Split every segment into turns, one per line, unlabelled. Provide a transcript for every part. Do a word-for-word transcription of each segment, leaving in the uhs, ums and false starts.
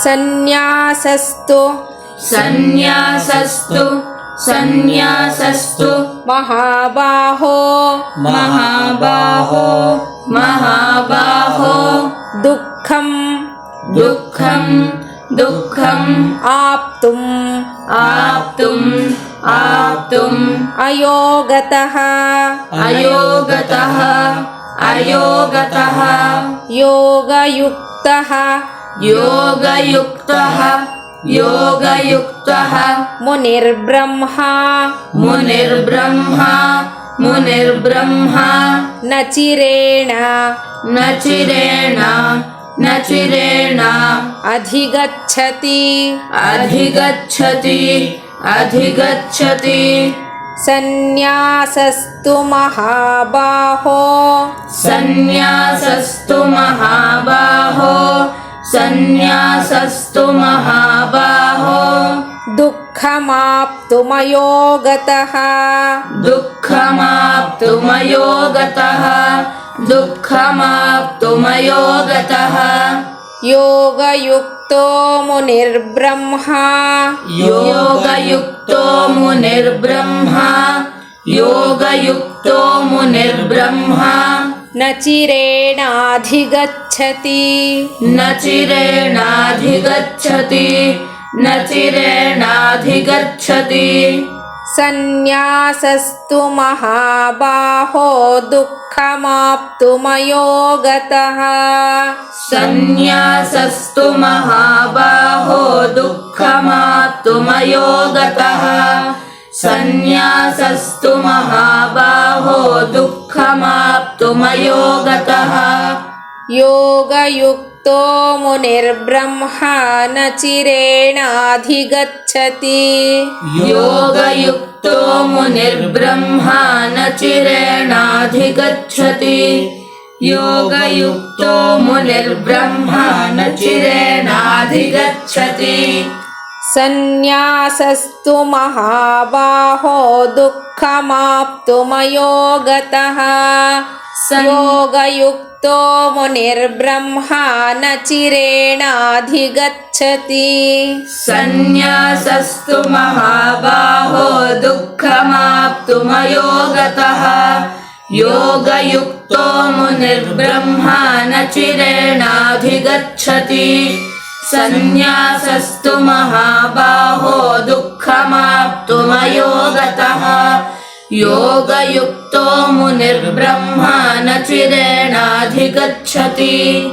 ಸನ್ಯಾಸಸ್ತು
ಸನ್ಯಾಸಸ್ತು ಸನ್ಯಾಸಸ್ತು
ಮಹಾಬಾಹೋ
ಮಹಾಬಾಹೋ ಮಹಾಬಾಹೋ
ದುಃಖಂ
ದುಃಖಂ ದುಃಖಂ
ಆಪ್ತುಂ
ಆಪ್ತುಂ ಆಪ್ತುಂ
ಅಯೋಗತಃ
ಅಯೋಗತಃ ಅಯೋಗತಃ
ಯೋಗಯುಕ್ತಃ
ಯೋಗಯುಕ್ತಃ ಯೋಗಯುಕ್ತಃ
ಮುನಿರ್ಬ್ರಹ್ಮ
ಮುನಿರ್ಬ್ರಹ್ಮ ಮುನಿರ್ಬ್ರಹ್ಮ
ನ ಚಿರೇಣ
ನ ಚಿರೇಣ ನ ಚಿರೇಣ
ಅಧಿಗಚ್ಚತಿ
ಅಧಿಗಚ್ಚತಿ ಅಧಿಗಚ್ಚತಿ
ಸನ್ಯಾಸಸ್ತು ಮಹಾಬಾಹೋ
ಸನ್ಯಾಸಸ್ತು ಮಹಾಬಾಹೋ ಸನ್ಯಾಸಸ್ತು ಮಹಾಬಾಹೋ
ದುಃಖಮಾಪ್ತುಮಯೋಗತಃ
ದುಃಖಮಾಪ್ತುಮಯೋಗತಃ ದುಃಖಮಾಪ್ತುಮಯೋಗತಃ
ಯೋಗಯುಕ್ತೋ ಮುನಿರ್ಬ್ರಹ್ಮ
ಯೋಗಯುಕ್ತೋ ಮುನಿರ್ಬ್ರಹ್ಮ ಯೋಗಯುಕ್ತೋ ಮುನಿರ್ಬ್ರಹ್ಮ
ನ ಚಿರೇಣಾಧಿಗಚ್ಚತಿ
ನ ಚಿರೇಣಾಧಿಗಚ್ಚತಿ ನ ಚಿರೇಣಾಧಿಗಚ್ಚತಿ
ಸನ್ಯಾಸಸ್ತು ಮಹಾಬಾಹೋ ದುಃಖಮಾಪ್ತುಮಯೋಗತಃ
ಸನ್ಯಾಸಸ್ತು ಮಹಾಬಾಹೋ ದುಃಖಮಾಪ್ತುಮಯೋಗತಃ ಸನ್ಯಾಸಸ್ತು ಮಹಾಬಾಹೋ ದುಃಖಮಾಪ್ತುಮಯೋಗತಃ
ಯೋಗಯುಕ್ತೋ ಮುನಿರ್ಬ್ರಹ್ಮ ನ ಚಿರೇಣಾಧಿಗಚ್ಚತಿ
ಯೋಗಯುಕ್ತೋ ಮುನಿರ್ಬ್ರಹ್ಮ ನ ಚಿರೇಣಾಧಿಗಚ್ಚತಿ ಯೋಗಯುಕ್ತೋ ಮುನಿರ್ಬ್ರಹ್ಮ ನ ಚಿರೇಣಾಧಿಗಚ್ಚತಿ
ಸನ್ಯಾಸಸ್ತು ಮಹಾಬಾಹೋ ದುಃಖಮಾಪ್ತುಮಯೋಗತಃ ಯೋಗಯುಕ್ತೋ ಮುನಿರ್ಬ್ರಹ್ಮ ನ ಚಿರೇಣಾಧಿಗಚ್ಚತಿ
ಸನ್ಯಾಸಸ್ತು ಮಹಾಬಾಹೋ ದುಃಖಮಾಪ್ತುಮಯೋಗತಃ ಯೋಗಯುಕ್ತೋ ಮುನಿರ್ಬ್ರಹ್ಮ ನ ಚಿರೇಣಾಧಿಗಚ್ಚತಿ ಸನ್ಯಾಸಸ್ತು ಮಹಾಬಾಹೋ ದುಃಖಮಾಪ್ತುಮಯೋಗತಃ ಯೋಗಯುಕ್ತೋ ಮುನಿರ್ಬ್ರಹ್ಮ ನ ಚಿರೇಣಾಧಿಗಚ್ಚತಿ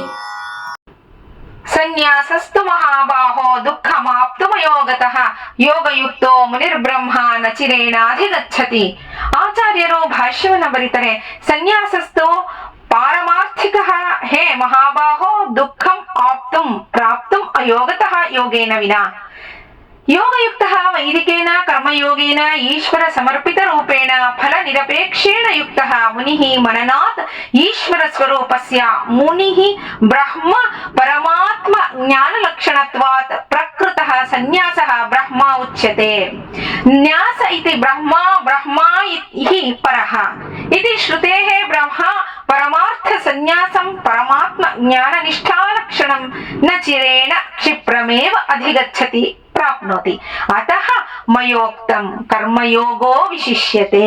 ಸನ್ಯಾಸಸ್ತು ಮಹಾಬಾಹೋ ದುಃಖಮಾಪ್ತುಮಯೋಗತಃ ಯೋಗಯುಕ್ತೋ ಮುನಿರ್ಬ್ರಹ್ಮ ನ ಚಿರೇಣಾಧಿಗಚ್ಚತಿ. ಆಚಾರ್ಯರು ಭಾಷ್ಯವನ್ನು ಬರೀತಾರೆ. ಸನ್ಯಾಸಸ್ತು ಪಾರಮಾರ್ಥಿಕ ಹೇ ಮಹಾಬಾಹೋ ದುಃಖಂ ಆಪ್ತುಂ ಪ್ರಾಪ್ತುಂ ಅಯೋಗತಃ ಯೋಗೇನ ವಿನಾ. ಯೋಗಯುಕ್ತ ವೈದಿಕೇನ ಕರ್ಮಯೋಗೇನ ಈಶ್ವರ ಸಮರ್ಪಿತ ರೂಪೇಣ ಫಲ ನಿರಪೇಕ್ಷೇಣ ಯುಕ್ತ ಮುನಿ ಮನನಾತ್ ಈಶ್ವರ ಸ್ವರೂಪಸ್ಯ ಮುನಿ ಬ್ರಹ್ಮ ಪರಮಾತ್ಮ ಜ್ಞಾನ ಲಕ್ಷಣತ್ವಾತ್ ಪ್ರಕೃತಃ ಸನ್ಯಾಸಃ ಬ್ರಹ್ಮ ಉಚ್ಯತೆ. ನ್ಯಾಸ ಇತಿ ಬ್ರಹ್ಮ ಬ್ರಹ್ಮ ಇತಿ ಪರಃ ಇತಿ ಶ್ರುತೇಃ ಬ್ರಹ್ಮ ಪರಮಾರ್ಥ ಸನ್ಯಾಸಂ ಪರಮಾತ್ಮ ಜ್ಞಾನ ನಿಷ್ಠಾ ಲಕ್ಷಣಂ ನ ಚಿರೇಣ ಕ್ಷಿಪ್ರಮೇವ ಅಧಿಗಚ್ಚತಿ ಪ್ರಾಪ್ನೋತಿ. ಅತಃ ಮಯೋಕ್ತಂ ಕರ್ಮಯೋಗೋ ವಿಶಿಷ್ಯತೆ.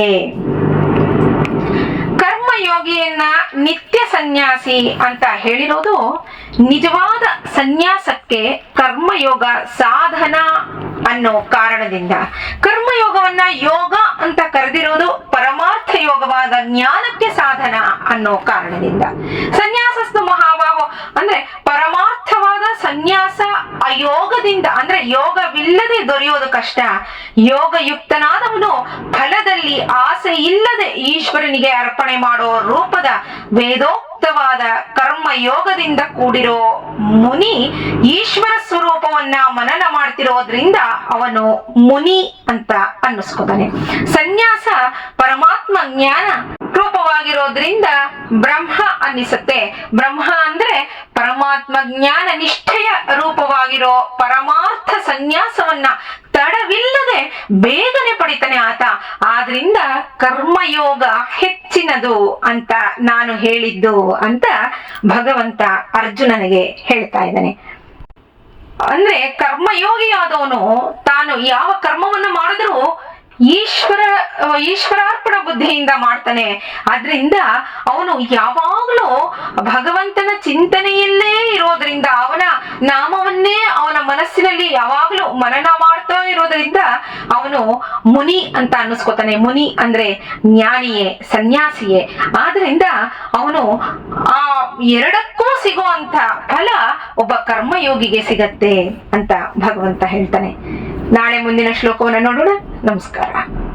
ಕರ್ಮಯೋಗಿಯನ್ನ ನಿತ್ಯ ಸನ್ಯಾಸಿ ಅಂತ ಹೇಳಿರೋದು ನಿಜವಾದ ಸನ್ಯಾಸಕ್ಕೆ ಕರ್ಮಯೋಗ ಸಾಧನ ಅನ್ನೋ ಕಾರಣದಿಂದ. ಕರ್ಮಯೋಗವನ್ನ ಯೋಗ ಅಂತ ಕರೆದಿರೋದು ಪರಮಾರ್ಥ ಯೋಗವಾದ ಜ್ಞಾನಕ್ಕೆ ಸಾಧನ ಅನ್ನೋ ಕಾರಣದಿಂದ. ಸನ್ಯಾಸಸ್ತು ಮಹಾಬಾಹೋ ಅಂದ್ರೆ ಪರಮಾರ್ಥವಾದ ಸನ್ಯಾಸ ಅಯೋಗದಿಂದ ಅಂದ್ರೆ ಯೋಗವಿಲ್ಲದೆ ದೊರೆಯೋದು ಕಷ್ಟ. ಯೋಗಯುಕ್ತನಾದವನು ಫಲದಲ್ಲಿ ಆಸೆ ಇಲ್ಲದೆ ಈಶ್ವರನಿಗೆ ಅರ್ಪಣೆ ಮಾಡೋ ರೂಪದ ವೇದೋಕ್ತವಾದ ಕರ್ಮ ಯೋಗದಿಂದ ಕೂಡಿರೋ ಮುನಿ ಈಶ್ವರ ಸ್ವರೂಪವನ್ನ ಮನನ ಮಾಡ್ತಿರೋದ್ರಿಂದ ಅವನು ಮುನಿ ಅಂತ ಅನ್ನಿಸ್ಕೊತಾನೆ. ಸನ್ಯಾಸ ಪರಮಾತ್ಮ ಜ್ಞಾನ ರೂಪವಾಗಿರೋದ್ರಿಂದ ಬ್ರಹ್ಮ ಅನ್ನಿಸುತ್ತೆ. ಬ್ರಹ್ಮ ಅಂದ್ರೆ ಪರಮಾತ್ಮ ಜ್ಞಾನ ನಿಷ್ಠೆಯ ರೂಪವಾಗಿರೋ ಪರಮಾರ್ಥ ಸನ್ಯಾಸವನ್ನ ತಡವಿಲ್ಲದೆ ಬೇಗನೆ ಪಡಿತಾನೆ ಆತ. ಆದ್ರಿಂದ ಕರ್ಮಯೋಗ ಹೆಚ್ಚಿನದು ಅಂತ ನಾನು ಹೇಳಿದ್ದು ಅಂತ ಭಗವಂತ ಅರ್ಜುನನಿಗೆ ಹೇಳ್ತಾ ಇದ್ದಾನೆ. ಅಂದ್ರೆ ಕರ್ಮಯೋಗಿ ಆದವನು ತಾನು ಯಾವ ಕರ್ಮವನ್ನು ಮಾಡಿದ್ರೂ ಈಶ್ವರ ಈಶ್ವರಾರ್ಪಣ ಬುದ್ಧಿಯಿಂದ ಮಾಡ್ತಾನೆ. ಆದ್ರಿಂದ ಅವನು ಯಾವಾಗಲೂ ಭಗವಂತನ ಚಿಂತನೆಯಲ್ಲೇ ಇರೋದ್ರಿಂದ, ಅವನ ನಾಮವನ್ನೇ ಅವನ ಮನಸ್ಸಿನಲ್ಲಿ ಯಾವಾಗಲೂ ಮನನ ಮಾಡ್ತಾ ಇರೋದ್ರಿಂದ ಅವನು ಮುನಿ ಅಂತ ಅನ್ನಿಸ್ಕೋತಾನೆ. ಮುನಿ ಅಂದ್ರೆ ಜ್ಞಾನಿಯೇ, ಸನ್ಯಾಸಿಯೇ. ಆದ್ರಿಂದ ಅವನು ಆ ಎರಡಕ್ಕೂ ಸಿಗುವಂತ ಫಲ ಒಬ್ಬ ಕರ್ಮಯೋಗಿಗೆ ಸಿಗತ್ತೆ ಅಂತ ಭಗವಂತ ಹೇಳ್ತಾನೆ. ನಾಳೆ ಮುಂದಿನ ಶ್ಲೋಕವನ್ನು ನೋಡೋಣ. ನಮಸ್ಕಾರ.